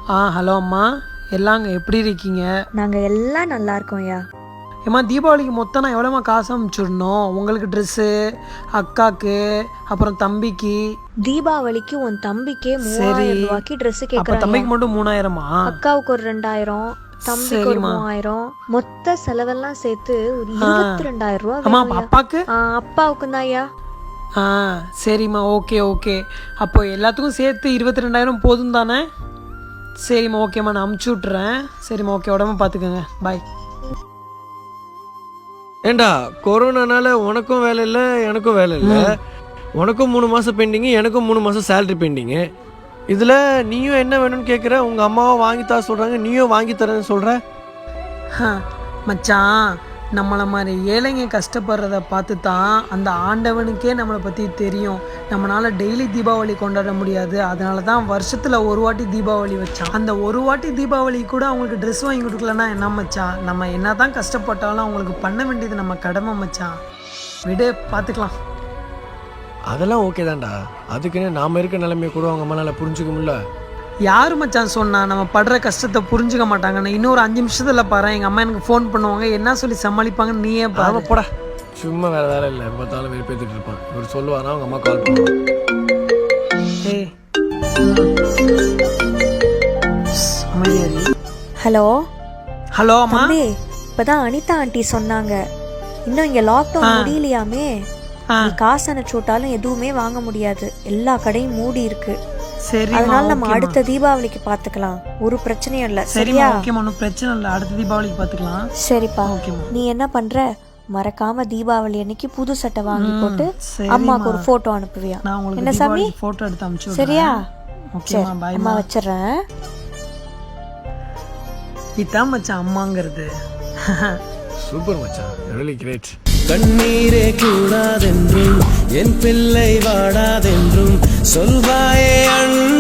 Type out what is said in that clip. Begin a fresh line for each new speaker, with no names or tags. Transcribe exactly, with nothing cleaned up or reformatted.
ஆ hello அம்மா, எல்லாங்க எப்படி இருக்கீங்க?
நாங்கள் எல்லாம் நல்லா இருக்கோம் ஐயா.
ஏம்மா தீபாவளிக்கு மொத்தம் நான் எவ்வளோம்மா காசு அனுப்பிச்சுடணும்? உங்களுக்கு ட்ரெஸ்ஸு, அக்காவுக்கு, அப்புறம் தம்பிக்கு.
தீபாவளிக்கு உன் தம்பிக்கே
சரி,
மூவாயிரம் ரூபாய்க்கு ட்ரெஸ்
அப்போ
கேட்குறாங்க.
தம்பிக்கு மட்டும் மூணாயிரமா?
அக்காவுக்கு ஒரு ரெண்டாயிரம், தம்பிக்கு ஒரு
சரிம்மா.
மூவாயிரம், மொத்த செலவெல்லாம் சேர்த்து ஒரு இருபத்தி ரெண்டாயிரம் ரூபா
அம்மா
வேணும் ஐயா.
அப்பாவுக்கு?
ஆ, அப்பாவுக்கு தான் ஐயா.
ஆ சரிம்மா, ஓகே ஓகே. அப்போ எல்லாத்துக்கும் சேர்த்து இருபத்தி ரெண்டாயிரம் போதும் தானே? சரிம்மா, ஓகேம்மா, நான் அமுச்சு விட்றேன். சரிம்மா, ஓகே, உடம்பு பார்த்துக்கோங்க, பாய்.
ஏண்டா கொரோனானால உனக்கும் வேலை இல்லை எனக்கும் வேலை இல்லை. உனக்கும் மூணு மாதம் பெண்டிங்கு, எனக்கும் மூணு மாதம் சேலரி பெண்டிங்கு. இதில் நீயும் என்ன வேணும்னு கேட்குற, உங்கள் அம்மாவும் வாங்கித்தா சொல்கிறாங்க, நீயும் வாங்கி தரேன்னு சொல்கிற.
மச்சான், நம்மளை மாதிரி ஏழைங்க கஷ்டப்படுறத பார்த்து தான் அந்த ஆண்டவனுக்கே நம்மளை பற்றி தெரியும். நம்மளால் டெய்லி தீபாவளி கொண்டாட முடியாது, அதனால தான் வருஷத்தில் ஒரு வாட்டி தீபாவளி வச்சான். அந்த ஒரு வாட்டி தீபாவளி கூட அவங்களுக்கு ட்ரெஸ் வாங்கி கொடுக்கலன்னா என்ன மச்சான்? நம்ம என்ன தான் கஷ்டப்பட்டாலும் அவங்களுக்கு பண்ண வேண்டியது நம்ம கடமை மச்சான். விடு, பார்த்துக்கலாம்.
அதெல்லாம் ஓகே தான்டா. அதுக்குன்னு நாம் இருக்க நிலைமையை கூட அவங்க அம்மானால் புரிஞ்சுக்க முடியல.
யார் மச்சான் சொன்னா நம்ம படுற கஷ்டத்தை புரிஞ்சுக்க மாட்டாங்கன்னு? இன்னொரு அஞ்சு நிமிஷத்துல பாரு, எங்கள் அம்மா எனக்கு ஃபோன் பண்ணுவாங்க, என்ன சொல்லி சமாளிப்பாங்கன்னு நீயே பாரு.
போடா, சும்மா வேறு வேலை இல்லை, பார்த்தாலும் வெறுப்பேற்றிட்டு இருப்பான். இவர் சொல்லுவாரா, அவங்க அம்மா கால் பண்ணுவாங்க.
ஏய் அமைதியாரி.
ஹலோ
ஹலோ அம்மா.
தம்பி, இப்பதான் அனிதா ஆண்டி சொன்னாங்க, இன்னும் இங்க லாக்டவுன் முடியலையாமே. நீ காசு அனுப்பிச்சு விட்டாலும் எதுவுமே வாங்க முடியாது, எல்லா கடையும் மூடி இருக்கு.
சரி,
அதனால நம்ம அடுத்த தீபாவளிக்கு பாத்துக்கலாம், ஒரு பிரச்சனையும் இல்ல. சரியா?
ஓகேம்மா, ஒன்றும் பிரச்சனை இல்லை, அடுத்த தீபாவளிக்கு பார்த்துக்கலாம்.
சரிப்பா,
ஓகேம்மா.
நீ என்ன பண்ற, மறக்காம தீபாவளி அன்னைக்கு புது சட்டை வாங்கி போட்டு அம்மாக்கு ஒரு போட்டோ அனுப்புவியா?
நான் உங்களுக்கு
என்ன சாமி,
போட்டோ எடுத்து அனுப்பிச்சு விடுறேன்.
சரியா?
ஓகேம்மா,
சரி,
பாய்.
அம்மா வச்சிடுறேன்.
இதான் மச்சான் அம்மாங்கிறது.
சூப்பர் மச்சான், ரியலி கிரேட்.
கண்ணீரே கூடாதென்றும் என் பிள்ளை வாடாதென்றும் சொல்வாயே அண்ணா.